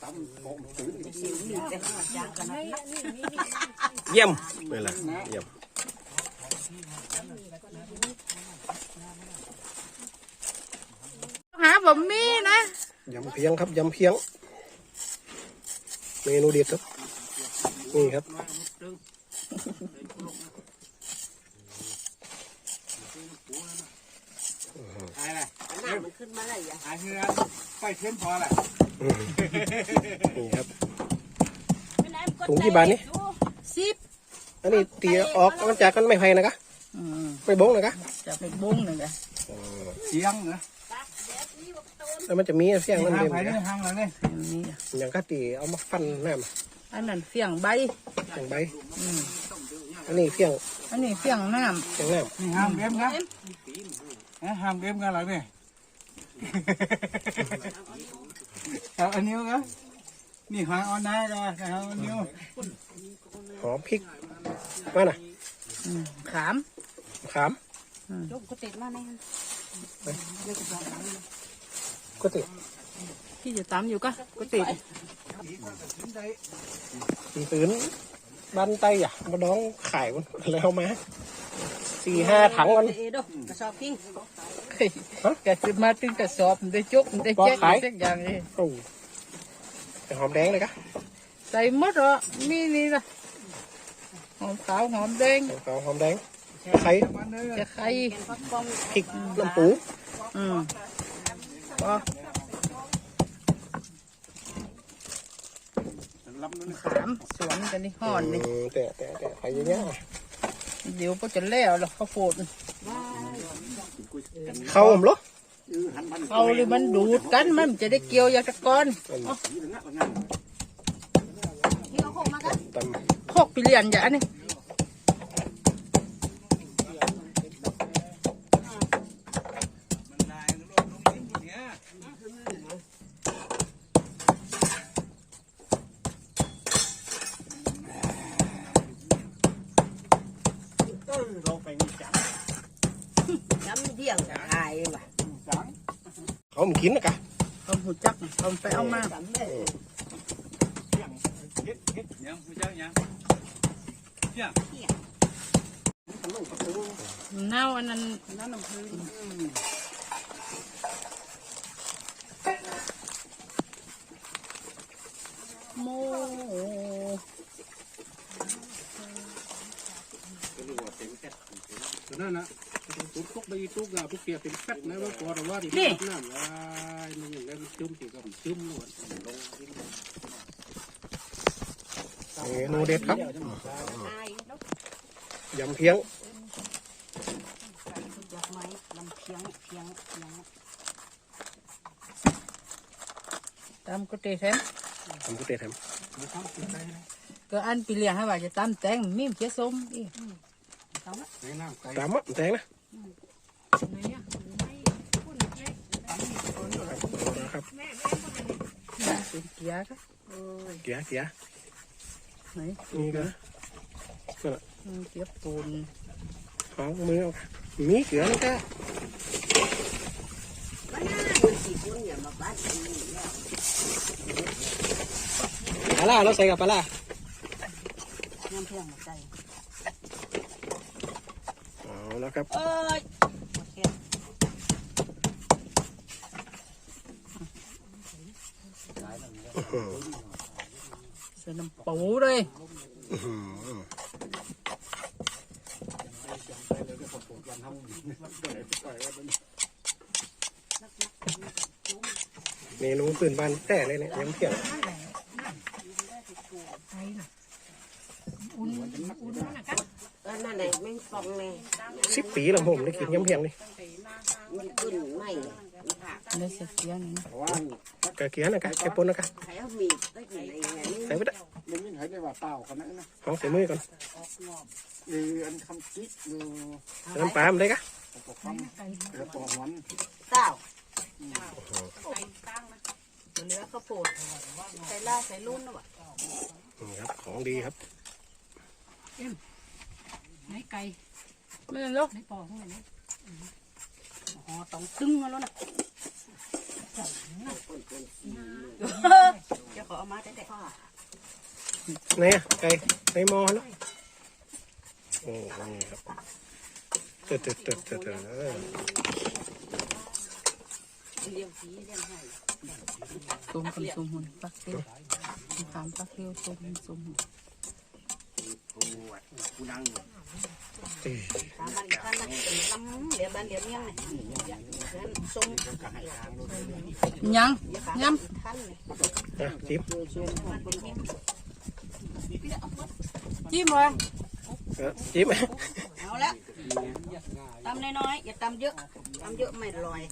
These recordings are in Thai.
เยี่ยมนี่แหละเยี่ยมหาบะหมี่นะยำเพียงครับยำเพียงเมนูเด็ดครับนี่ครับอะไรน้ำมันขึ้นมาอะไรอย่างเงี้ยไฟเทียนพอแหละนี่ครับถุงกี่บาทนี่ 10 อันนี้ตีออกมันจากกันไม่ไผ่นะกะไม่บงนะกะจะไปบงหนึ่งเลยเสียงเหรอแล้วมันจะมีเสียงนั่นเองนะห้างแล้วเนี่ยอย่างก็ตีเอามาฟันน้ำอันนั้นเสียงใบอันนี้เสียงเสียงน้ำนี่ห้ามเบี้ยมครับห้ามเบี้ยมกันหรอเนี่ยเอาอันนี้ก็นี่หอยออนได้ก็เอาอันนี้หอมพริกมาน่ะขามยกกระติกมาไหนก็ติดพี่จะตำอยู่ก็ติดตื่นบ้านไตอ่ะมาดองขายมันแล้วมา4-5 ถังกันกระสอบพิ้งกระสิมาตึงกระสอบได้จุกได้แจ๊กได้อย่างนี้โอ้แต่หอมแดงเลยกะใส่หมดเหรอมีนี่ละหอมขาวหอมแดงหอมแดงไข่จะไข่พริกน้ำปูขามสวนกันนี่ห่อนนี่แต่ไข่เยอะเดี๋ยวก็จะแล้วหรอกข้าวโพดเข้าผมหรอเอาเลยมันดูดกันมันจะได้เกี่ยวยาตะกอนโคกปีเลียนอย่างนี้เขาไม่กินนะกะเขาหูจักเขาไปเอามาเน่าอันนั้นโมนั่นนะตุ๊กตุ๊กใบตุ๊กอะตุ๊กเปียเป็นแฟตนะว่าพอแต่ว่าที่น้ำว่ามันอย่างนั้นจุ่มตีกับจุ่มหนวดเมนูเด็ดครับยำเพียงตำกุเตแทมก็อันปีเลียให้ว่าจะตำแตงมีมเจี๊ยส้มอีตำแตงนะครับเป็นเกียร์ครับเกียร์ไหนนี่ก็เกียร์ปูนเอามือเอามีเกลือนะจ๊ะปลาล่าเราใส่กับปลาล่าน้ำเพียงใจเอาแล้วครับใส่น้ำปูเลยเมนูพื้นบ้านแต่เลยเนี่ยยังเพียงนั่นแหละไม่ฟองเลย 10 ปีแล้วผมได้กินยำเพียงนี่มันขึ้นไม่ได้เสียเกียร์นี่กะเกียร์นะกะแค่ปนนะกะใส่มีได้กินอะไรใส่ไปได้ไม่มีใครได้ว่าเปล่าขนาดนั้นนะของใส่มือก่อนอันคำจิ๊กน้ำปลามันได้กะแล้วปอกมันเต้าเนื้อข้าวโพดใส่ล่าใส่ลุ่นนะวะครับของดีครับไหนไก่ไม่เป็นลูกไหนปอกไหนอ๋อต้องตึงแล้วนะจะขอเอาไหนอะไก่ในหม้อแล้วโอ้นี่ครับเติร์ดส้มกับส้มหุ่นปักเตี้ยวตามปักเตี้ยวส้มหุ่นตามบ้านท่านนะลำเหลียวบ้านเหลียวเมี่ยงเนี่ยส้มยังย้ท่านเลยอ่ะจิ้มำจิ้มเลยจิ้มเอาละตำน้อยๆอย่าตำเยอะไม่อร่อย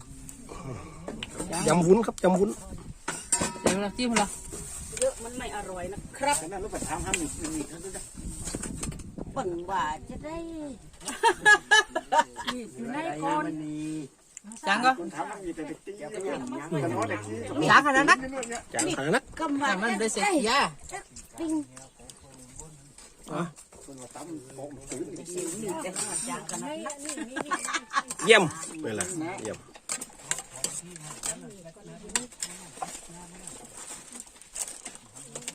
ยำวุ้นครับยำวุ้นเดี๋ยวเราจิ้มเหรอเยอะมันไม่อร่อยนะครับแต่แม่รู้ปัญหาห้ามมีเขาด้วยปั่นว่าจะได้อยู่ในคนมันมีจังก็คนถามมันมีแต่เด็กตีอย่างเงี้ยแต่น้อยเด็กตีจังขนาดนั้นจางขนาดนั้นกำว่ามันได้เสร็จยาปิ้งคนว่าตั้มโป่งตื้นสิวหนึ่งแต่ว่าจางขนาดนั้นเยี่ยมนี่แหละเยี่ยม